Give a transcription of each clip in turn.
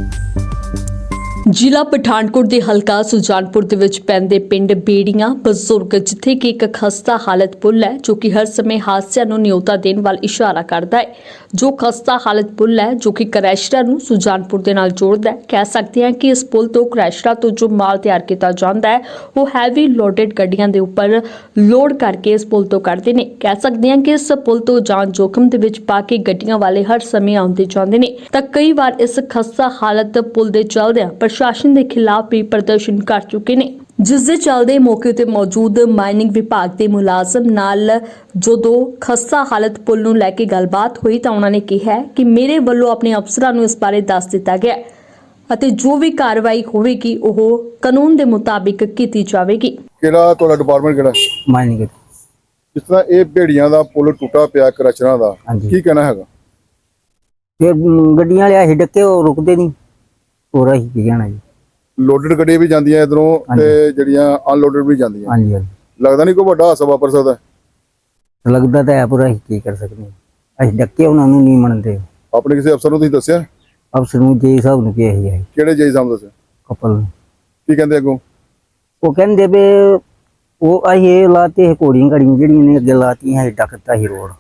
ਜ਼ਿਲ੍ਹਾ ਪਠਾਨਕੋਟ ਦੇ ਹਲਕਾ ਸੁਜਾਨਪੁਰ ਦੇ ਵਿੱਚ ਪੈਂਦੇ ਪਿੰਡ ਬੇੜੀਆਂ ਬਜ਼ੁਰਗ ਜਿੱਥੇ ਕਿ ਇੱਕ ਖਸਤਾ ਹਾਲਤ ਪੁਲ ਹੈ ਜੋ ਕਿ ਹਰ ਸਮੇਂ ਹਾਦਸਿਆਂ ਨੂੰ ਨਿਯੋਤਾ ਦੇਣ ਵੱਲ ਇਸ਼ਾਰਾ ਕਰਦਾ ਹੈ। ਜੋ ਖਸਤਾ ਹਾਲਤ ਪੁਲ ਹੈ ਜੋ ਕਿ ਕ੍ਰੈਸ਼ਰਾਂ ਨੂੰ ਸੁਜਾਨਪੁਰ ਦੇ ਨਾਲ ਜੋੜਦਾ ਹੈ। ਕਹਿ ਸਕਦੇ ਹਾਂ ਕਿ ਇਸ ਪੁਲ ਤੋਂ ਕ੍ਰੈਸ਼ਰਾਂ ਤੋਂ ਜੋ ਮਾਲ ਤਿਆਰ ਕੀਤਾ ਜਾਂਦਾ ਹੈ ਉਹ ਹੈਵੀ ਲੋਡਡ ਗੱਡੀਆਂ ਦੇ ਉੱਪਰ ਲੋਡ ਕਰਕੇ ਇਸ ਪੁਲ ਤੋਂ ਕੱਢਦੇ ਨੇ। ਕਹਿ ਸਕਦੇ ਹਾਂ ਕਿ ਇਸ ਪੁਲ ਤੋਂ ਜਾਨ ਜੋਖਮ ਦੇ ਵਿੱਚ ਪਾ ਕੇ ਗੱਡੀਆਂ ਵਾਲੇ ਹਰ ਸਮੇਂ ਆਉਂਦੇ ਜਾਂਦੇ ਨੇ ਤਾਂ ਕਈ ਵਾਰ ਇਸ ਖਸਤਾ ਹਾਲਤ ਪੁਲ ਦੇ ਚੱਲਦਿਆਂ ਪ੍ਰਸ਼ਾਸਨ ਦੇ ਖਿਲਾਫ ਵੀ ਪ੍ਰਦਰਸ਼ਨ ਕਰ ਚੁੱਕੇ ਨੇ, ਜਿਸ ਦੇ ਚੱਲਦੇ ਮੌਕੇ ਤੇ ਮੌਜੂਦ ਮਾਈਨਿੰਗ ਵਿਭਾਗ ਦੇ ਮੁਲਾਜ਼ਮ ਨਾਲ ਜਦੋਂ ਖਸਤਾ ਹਾਲਤ ਪੁਲ ਨੂੰ ਲੈ ਕੇ ਗੱਲਬਾਤ ਹੋਈ ਤਾਂ ਉਹਨਾਂ ਨੇ ਕਿਹਾ ਕਿ ਮੇਰੇ ਵੱਲੋਂ ਆਪਣੇ ਅਫਸਰਾਂ ਨੂੰ ਇਸ ਬਾਰੇ ਦੱਸ ਦਿੱਤਾ ਗਿਆ ਅਤੇ ਜੋ ਵੀ ਕਾਰਵਾਈ ਹੋਵੇਗੀ ਉਹ ਕਾਨੂੰਨ ਦੇ ਮੁਤਾਬਿਕ ਕੀਤੀ ਜਾਵੇਗੀ। ਕਿਹੜਾ ਤੁਹਾਡਾ ਡਿਪਾਰਟਮੈਂਟ ਕਿਹੜਾ? ਮਾਈਨਿੰਗ। ਜਿਸ ਤਰ੍ਹਾਂ ਇਹ ਭੇੜੀਆਂ ਦਾ ਪੁਲ ਟੁੱਟਾ ਪਿਆ ਕ੍ਰਸ਼ਰਾਂ ਦਾ, ਹਾਂਜੀ। ਕੀ ਕਹਿਣਾ ਹੈਗਾ? ਫਿਰ ਗੱਡੀਆਂ ਵਾਲੇ ਆਹੀ ਡੱਕੇ ਉਹ ਰੁਕਦੇ ਨਹੀਂ, ਹੋਰ ਅਸੀਂ ਕੀ ਕਹਿਣਾ ਜੀ। ਲੋਡਡ ਗੱਡੀਆਂ ਵੀ ਜਾਂਦੀਆਂ ਇਧਰੋਂ ਤੇ ਜਿਹੜੀਆਂ ਅਨਲੋਡਡ ਵੀ ਜਾਂਦੀਆਂ। ਹਾਂਜੀ ਹਾਂਜੀ, ਲੱਗਦਾ ਨਹੀਂ ਕੋਈ ਵੱਡਾ ਹਾਦਸਾ ਵਾਪਰ ਸਕਦਾ? ਲੱਗਦਾ ਤਾਂ ਹੈ ਪਰ ਅਸੀਂ ਕੀ ਕਰ ਸਕਦੇ ਹਾਂ, ਅਸੀਂ ਡੱਕੇ ਉਹਨਾਂ ਨੂੰ ਨਹੀਂ ਮੰਨਦੇ। ਆਪਣੇ ਕਿਸੇ ਅਫਸਰ ਨੂੰ ਤੁਸੀਂ ਦੱਸਿਆ? ਅਫਸਰ ਨੂੰ ਜੇ ਸਾਹਿਬ ਨੂੰ ਕਿਹਾ ਹੈ ਕਿਹੜੇ ਜੇਈ ਸਾਹਿਬ ਨੂੰ ਦੱਸਿਆ? ਕਪਲ ਨੂੰ। ਕੀ ਕਹਿੰਦੇ ਅੱਗੋਂ? ਉਹ ਕਹਿੰਦੇ ਵੀ ਉਹ ਅਸੀਂ ਇਹ ਲਾਤੇ ਹੈ ਘੋੜੀਆਂ ਘੜੀਆਂ ਜਿਹੜੀਆਂ ਨੇ ਅੱਗੇ ਲਾਤੀਆਂ ਅਸੀਂ ਡੱਕਤਾ ਹੀ ਰੋਡ,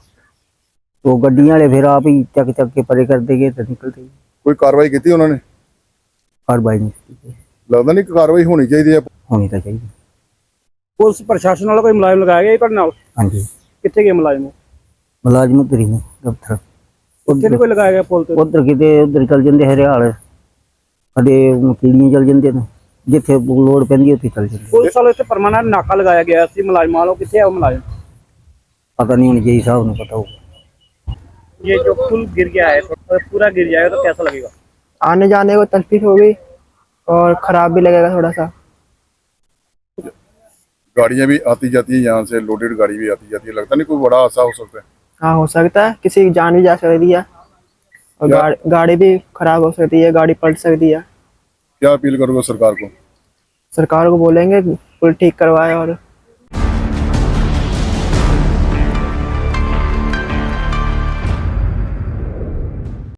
ਉਹ ਗੱਡੀਆਂ ਵਾਲੇ ਫਿਰ ਆਪ ਹੀ ਚੱਕ ਚੱਕ ਕੇ ਪਰੇ ਕਰਦੇ ਗਏ ਤੇ ਨਿਕਲਦੇ। ਕੋਈ ਕਾਰਵਾਈ ਕੀਤੀ ਉਹਨਾਂ ਨੇ? ਕਾਰਵਾਈ ਨਹੀਂ ਕੀਤੀ। ਲੱਗਦਾ ਨਹੀਂ ਕਾਰਵਾਈ ਹੋਣੀ ਚਾਹੀਦੀ ਹੈ। ਹੋਣੀ ਤਾਂ ਚਾਹੀਦੀ। ਪੁਲਿਸ ਪ੍ਰਸ਼ਾਸਨ ਵਾਲਾ ਕੋਈ ਮੁਲਾਜ਼ਮ ਲਗਾਇਆ ਗਿਆ ਤੁਹਾਡੇ ਨਾਲ? ਹਾਂਜੀ, ਕਿੱਥੇ ਗਏ ਮੁਲਾਜ਼ਮ? ਮੁਲਾਜ਼ਮ ਉੱਧਰ ਹੀ ਨੇ ਦਫ਼ਤਰ। ਉੱਥੇ ਨਹੀਂ ਕੋਈ ਲਗਾਇਆ ਗਿਆ ਪੁਲ ਤੇ? ਉਧਰ ਕਿਤੇ ਉਧਰ ਚੱਲ ਜਾਂਦੇ ਹਰਿਆਲ, ਕਦੇ ਕੀੜੀਆਂ ਚੱਲ ਜਾਂਦੇ ਨੇ, ਜਿੱਥੇ ਲੋੜ ਪੈਂਦੀ ਉੱਥੇ ਚੱਲ ਜਾਂਦੇ। ਪੁਲਿਸ ਵਾਲੇ ਤੇ ਪਰਮਾਨੈਂਟ ਨਾਕਾ ਲਗਾਇਆ ਗਿਆ ਸੀ ਮੁਲਾਜ਼ਮਾਂ ਵਾਲੋਂ, ਕਿੱਥੇ ਆ ਉਹ ਮੁਲਾਜ਼ਮ? पता नहीं, उन्हें यही साहब ने पता होगा। ये जो पुल गिर गया है तो पूरा गिर जाएगा तो कैसा लगेगा? आने जाने को तकलीफ होगी और खराब भी लगेगा थोड़ा सा। गाड़ियां भी आती जाती है, यहाँ से लोडेड गाड़ी भी आती जाती है। लगता नहीं कोई बड़ा हादसा हो सकता है? हाँ, हो सकता है, किसी की जान भी जा सकती है और गाड़ी भी खराब हो सकती है, गाड़ी पलट सकती है। क्या अपील करोगे सरकार को? सरकार को बोलेंगे पुल ठीक करवाए और